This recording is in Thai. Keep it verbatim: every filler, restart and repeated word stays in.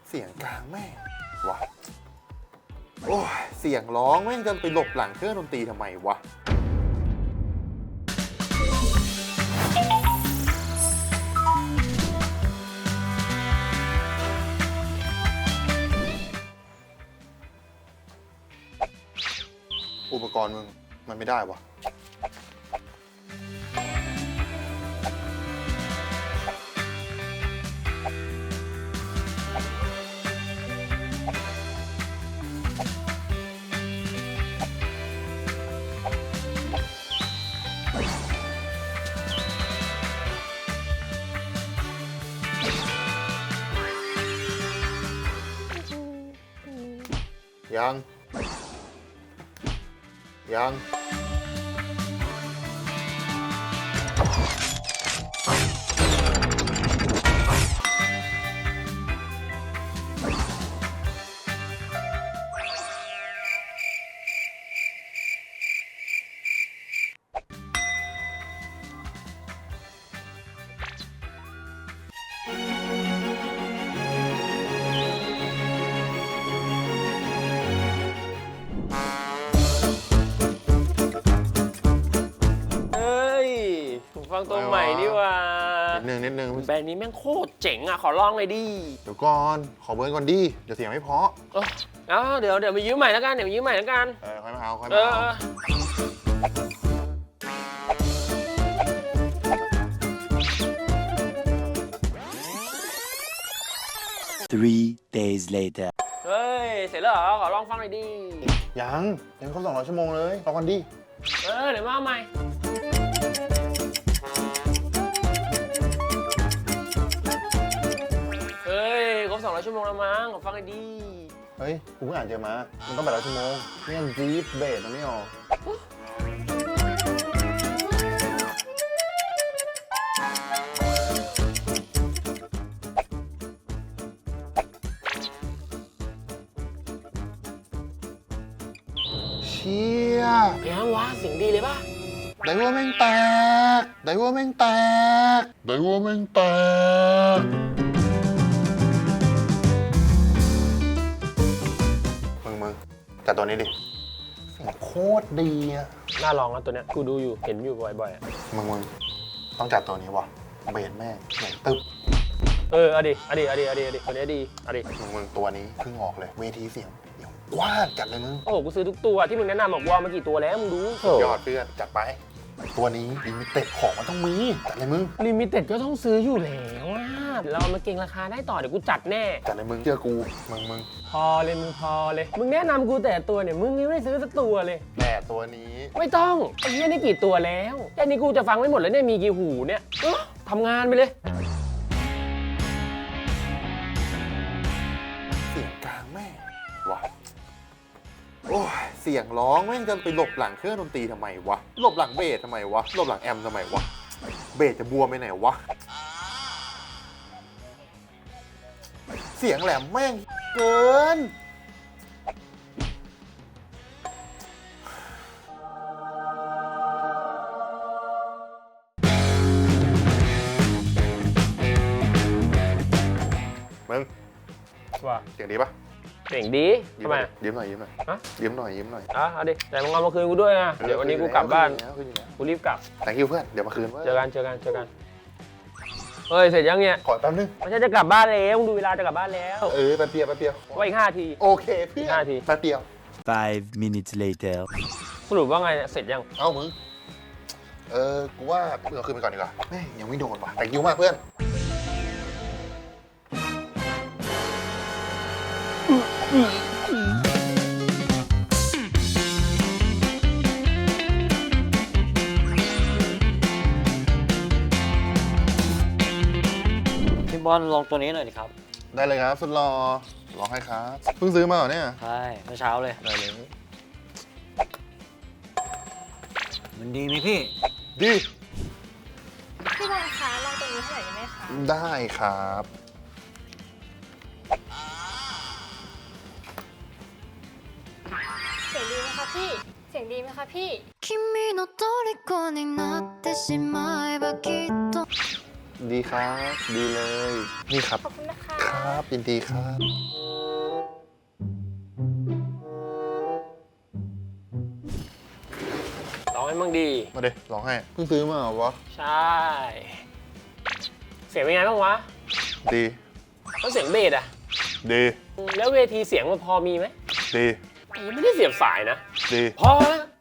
เสียงกลางแม่งวะโอ้ยเสียงร้องแม่งจะไปหลบหลังเครื่องดนตรีทำไมวะอุปกรณ์มึงมันไม่ได้วะยังยังฟังตัวใหม่นี่ว่านิดนึงนิดนึงแบรนด์นี้แม่งโคตรเจ๋งอ่ะขอลองเลยดิเดี๋ยวก่อนขอเบิร์นก่อนดิเดี๋ยวเสียงไม่เพราะเออเดี๋ยวเดี๋ยวมายืมใหม่แล้วกันเดี๋ยวมายืมใหม่แล้วกันเออค่อยมาเอาค่อยมาเอา Three days later เฮ้ยเสร็จแล้วเหรอขอลองฟังหน่อยดิยังยังครบสองร้อยชั่วโมงเลยรอก่อนดิเออเดี๋ยวมาเอาใหม่เฮ้ยครบสองร้อยชั่วโมงแล้วมั้งขอฟังหน่อยดิเฮ้ยกูเพิ่งอ่านเจอมามันต้องแปดร้อยชั่วโมงนี่ยังจีฟเบสมันไม่ออกเชี่ยยังวะเสียงดีเลยป่ะไดว่าแม่งแตกไดว่าแม่งแตกไดว่าแม่งแตกมึงมึงจัดตัวนี้ดิเสียงโคตรดีอะน่าลองนะตัวเนี้ยกูดูอยู่เห็นอยู่บ่อยๆอ่ะมึงมึงต้องจัดตัวนี้ว่ะเบสแม่งใหญ่ตึ๊บเออเอาดิเอาดิเอาดิเอาดิเอาดิตัวนี้ดีเอาดิมึงมึงตัวนี้เพิ่งออกเลยเวทีเสียงกว้างจัดเลยมึงโอ้โหกูซื้อทุกตัวที่มึงแนะนำบอกว่ามากี่ตัวแล้วมึงดูยอดเพื่อนจัดไปตัวนี้ลิมิเต็ดของมันต้องมีจัดเลยมึงลิมิเต็ดก็ต้องซื้ออยู่แล้วว่าเรามาเก่งราคาได้ต่อเดี๋ยวกูจัดแน่จัดเลยมึงเชื่อกูมึงมึงพอเลยมึงพอเลยมึงแนะนำกูแต่ตัวเนี่ยมึงยังไม่ซื้อสักตัวเลยแต่ตัวนี้ไม่ต้องไอ้เหี้ยนี่กี่ตัวแล้วแค่นี้กูจะฟังไม่หมดแล้วเนี่ยมีกี่หูเนี่ยทำงานไปเลยเสียงกลางแม่วะโอ้ยเสียงร้องแม่งจะไปหลบหลังเครื่องดนตรีทำไมวะหลบหลังเบสทำไมวะหลบหลังแอมทำไมวะเบสจะบวมไปไหนวะเสียงแหลมแม่งเกินมึงว่าเสียงดีปะเสียงดีทำไมยืมหน่อยยืมหน่อยฮะยืมหน่อยยืมหน่อยอ่ะเอาดิแต่มึงเอามาคืนกูด้วยนะเดี๋ยววันนี้กูกลับบ้านกูรีบกลับแต่คิวเพื่อนเดี๋ยวมาคืนเจอกันเจอกันเจอกันเฮ้ยเสร็จยังเนี่ยขอแป๊บนึงไม่ใช่จะกลับบ้านแล้วมึงดูเวลาจะกลับบ้านแล้วเออแป๊บเดียวแป๊บเดียวว่าอีกห้าทีโอเคเพื่อนห้าทีแป๊บเดียว Five minutes later สรุปว่าไงเสร็จยังเอ้ามึงเออกูว่าเพื่อนคืนไปก่อนดีกว่าแม่ยังไม่โดนว่ะแต่คิวมากเพื่อนพี่บอลลองตัวนี้หน่อยดิครับได้เลยครับสุดรอลองให้ครับเพิ่งซื้อมาเหรอเนี่ยใช่เมื่อเช้าเลยได้เลยมันดีไหมพี่ดีพี่บอลคะลองตัวนี้ให้หน่อยได้ไหมคะได้ครับเสียงดีไหมคะพี่เสียงดีไหมคะพี่君の虜になってしまえばきっとดีครับดีเลยนี่ครับขอบคุณนะคะครัครับยินดีครับร้องให้มั่งดีมาดิร้องให้เพิ่งซื้อมาเหรอวะใช่ เสียงเป็นไงบ้างวะดีแล้วเสียงเบสอะดีแล้วเวทีเสียงมันพอมีไหมดีไม่ได้เสียบสายนะดีพอแล้ว